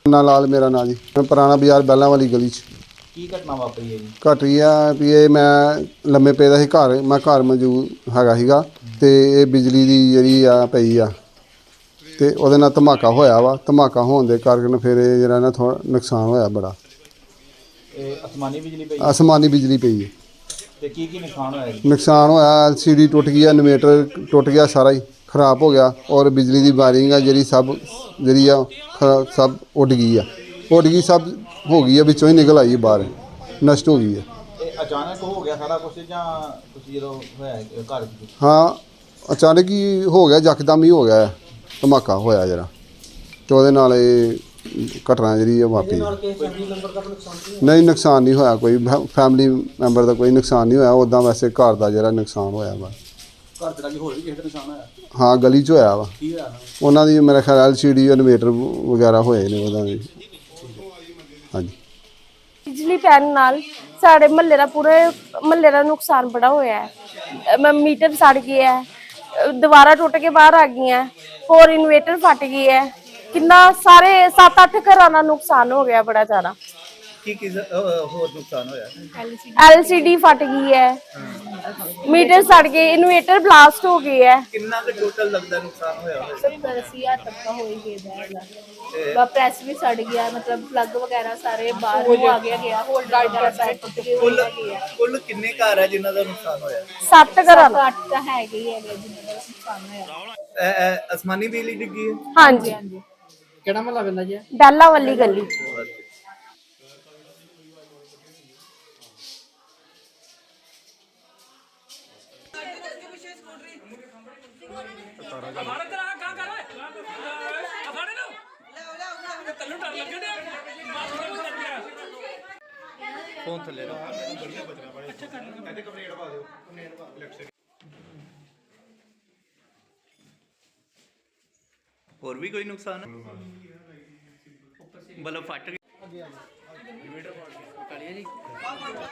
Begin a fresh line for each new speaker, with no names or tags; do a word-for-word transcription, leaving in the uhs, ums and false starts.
ना लाल मेरा ना जी, मैं पुराना बाजार बैलों वाली गली च।
की घटना वापरी है जी?
घटी आ भी ये मैं लम्मे पे दा सी घर, मैं घर मौजूद हैगा सीगा ते ये बिजली दी जिहड़ी आ पई आ ते ओहदे नाल धमाका होया वा। धमाका होने दे कारण फिर ये जेह्ड़ा ना थोड़ा नुकसान होया बड़ा।
ਇਹ आसमानी बिजली पई
आसमानी बिजली पई है।
ते की की नुकसान होया जी?
नुकसान होया एल सी डी टुट गई, इन्वेटर टुट गया, सारा ही खराब हो गया और बिजली की वायरिंग है जी सब जी सब उड गई है, उड गई सब हो गई है, बिचों ही निकल आई बाहर, नष्ट हो गई है।
ਇਹ अचानक हो गया सारा कुछ ਜਾਂ ਤੁਸੀਂ ਜਦੋਂ ਹੋਇਆ ਹੈ ਘਰ ਵਿੱਚ?
हाँ अचानक ही हो गया, यकदम ही हो गया धमाका होया जरा तो ਉਹਦੇ ਨਾਲ ਇਹ ਘਟਨਾ ਜਿਹੜੀ वापरी। नहीं नुकसान नहीं होया कोई, फैमिली मैंबर का कोई नुकसान नहीं होया, उदा वैसे घर का जरा नुकसान होया वा। हाँ गली च होया वा, उन्हों की मेरा ख्याल एल सी डी इन्वेटर वगैरह होए ने उदा। हाँ जी
बिजली पैन नाल साढ़े महल्ले का पूरे महल्ले का नुकसान बड़ा होया है। मीटर सड़ गया है, दीवारां टुट के बाहर आ गई हैं, होर इन्वेटर फट गई है, कितना सारे सत्त अठ घरां दा नुकसान हो गया बड़ा ज़्यादा।
की की ਹੋਰ नुकसान होया?
एल सी डी फट गई है, मीटर सड़ गए, इन्वेटर ब्लास्ट हो गए है।
ਕਿੰਨਾ ਕੁ ਟੋਟਲ ਲੱਗਦਾ ਨੁਕसान ਹੋਇਆ ਹੋਇਆ?
सत्तर अस्सी हज़ार तक का हो ही गया। प्रेस भी सड़ गया, मतलब प्लग वगैरह सारे बाहर हो आ गया गया होल्डर वगैरह सारे टूट गए हो गया।
ਕੁੱਲ ਕਿੰਨੇ ਘਰ ਹੈ ਜਿਨ੍ਹਾਂ ਦਾ ਨੁਕਸਾਨ ਹੋਇਆ?
सत्त घरां दा।
अठ तो है ही है जिन्होंने का नुकसान होया।
आसमानी बिजली डिग्गी है?
हाँ जी,
केड़ा महल्ला पैंदा जी?
बैला वाली गली।
फोन थले और भी कोई नुकसान है? बल्ब फट गया।